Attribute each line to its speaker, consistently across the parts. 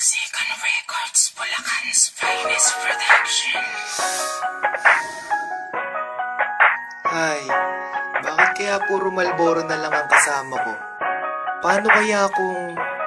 Speaker 1: Second Records, Bulacan's finest production.
Speaker 2: Ay, bakit kaya puro Marlboro na lang ang kasama ko? Paano kaya kung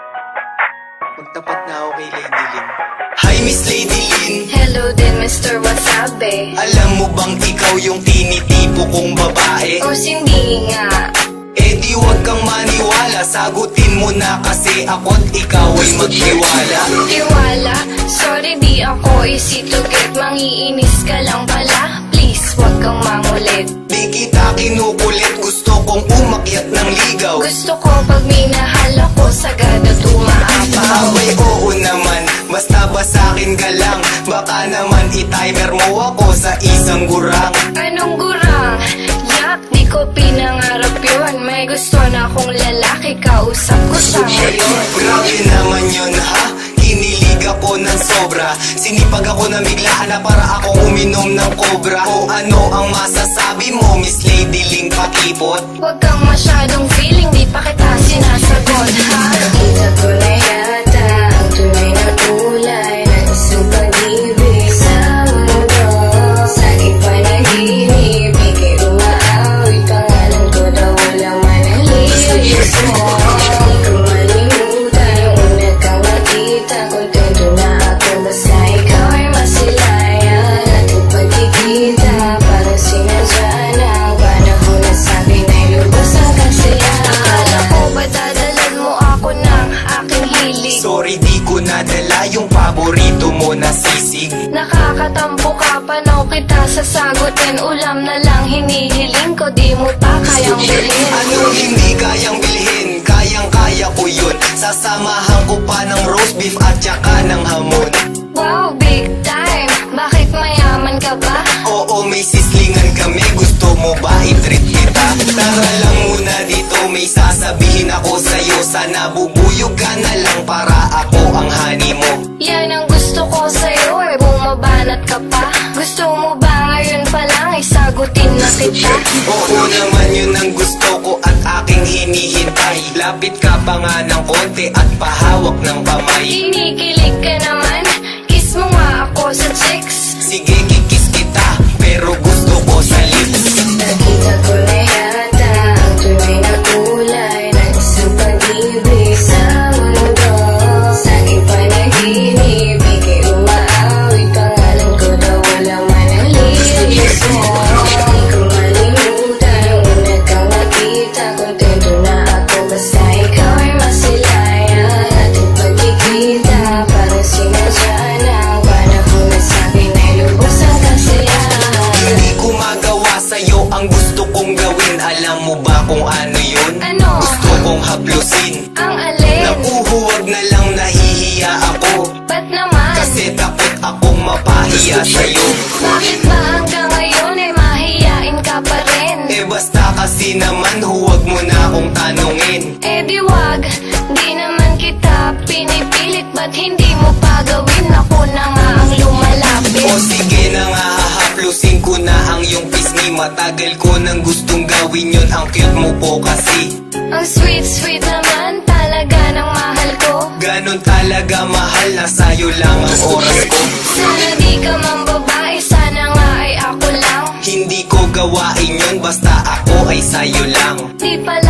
Speaker 2: magtapat na ako kay Lady Lynn?
Speaker 3: Hi Miss Lady Lynn,
Speaker 4: Hello din Mr. Wasabi.
Speaker 3: alam mo bang ikaw yung tinitipo kong babae?
Speaker 4: O hindi nga.
Speaker 3: Eh di wag kang maniwala, sagutin mo na kasi ako't ikaw ay magtiwala.
Speaker 4: Iwala, sorry di ako easy to get. Mangiinis ka lang pala, please wag kang mangulit.
Speaker 3: Di kita kinukulit, gusto kong umakyat ng ligaw.
Speaker 4: Gusto ko pag minahal ako, sagada tumaapaw.
Speaker 3: Abay oo naman, basta ba sa'kin ka lang? Baka naman i-timer mo ako sa isang gurang.
Speaker 4: Anong gurang? Yak, di ko pinangarap yun. May gusto na akong lalaki, kausap ko siya ngayon.
Speaker 3: Grabe naman yun ha, kinilig ako ng sobra. Sinipag ako na biglaan na para akong uminom ng cobra. O ano ang masasabi mo Miss Lady Lynn Pakipot?
Speaker 4: Huwag kang masyadong feeling, di pa kita sinasagot, ha? Nakita ko na yata ang tunay na kulay ng isang pag-ibig sa mundo. Sa aking panaginip, ika'y umaawit. Pangalan ko daw walang manalilis mo. Di ko malimutan yung una kang nakita. Kontento na ako basta ikaw ay masilayan. Ating pagkikita parang sinadya na ang panahon na sa'kin ay lubos ang kasiyahan. Akala ko ba dadalan mo ako ng aking hilig?
Speaker 3: Sorry di ko nadala yung paborito mo na sisig.
Speaker 4: Nakakatampo ka, panaw kita sasagutin. Ulam na lang hinihiling ko, di mo pa kayang bilhin.
Speaker 3: Anong hindi kayang bilhin? Kayang-kaya ko yun. Sasamahan ko pa ng roast beef at saka ng hamon.
Speaker 4: Wow, big time! Bakit mayaman ka ba?
Speaker 3: Oo, may sislingan kami. Gusto mo ba i-treat kita? Tara lang muna dito, may sasabihin ako sa'yo. Sana bubuyog ka na lang para ako ang honey mo.
Speaker 4: Yan ang gusto ko sa'yo, bumabanat ka pa. Gusto mo ba ngayon pa lang isagutin na kita?
Speaker 3: Oo naman yun ang gusto ko at aking hinihintay. Lapit ka pa nga ng konti at pahawak ng kamay.
Speaker 4: Kinikilig ka naman, kiss mo nga ako sa chicks.
Speaker 3: Sige, kikis kita, pero gusto ko sa lips.
Speaker 4: Nakita ko na yata ang tunay na kulay ng isang pag-ibig sa mundo. Sa aking panaginip, ika'y umaawit. Pangalan ko daw walang manalilis mo. Di ko malimutan yung una kang nakita. Kontento na ako basta ikaw ay masilayan. Ating pagkikita parang sinadya na ang panahon na sa'kin ay lubos ang kasiyahan.
Speaker 3: Hindi ko magawa sa'yo ang gusto kong gawin. Alam mo ba kung ano yun?
Speaker 4: Ano?
Speaker 3: Gusto kong haplusin.
Speaker 4: Ang alin?
Speaker 3: Napuhuwag na lang, nahihiya ako.
Speaker 4: Ba't naman?
Speaker 3: Kasi takot akong mapahiya sa'yo.
Speaker 4: Bakit ba hanggang ngayon ay mahiyain ka pa rin?
Speaker 3: Eh basta kasi naman huwag mo na akong tanungin.
Speaker 4: Eh di wag, di naman kita pinipilit. Ba't hindi mo pa gawin? Ako na nga ang lumalapit.
Speaker 3: O sige na nga, hahaplusin ko na ang iyong pisngi. Matagal ko nang gustong gawin yun, ang cute mo po kasi.
Speaker 4: Ang sweet naman talaga ng mahal ko.
Speaker 3: Ganon talaga mahal, na sa'yo lang ang oras ko.
Speaker 4: Sana di ka mang babae, sana nga ay ako lang.
Speaker 3: Hindi ko gawain yun, basta ako ay sa'yo lang.
Speaker 4: Di pala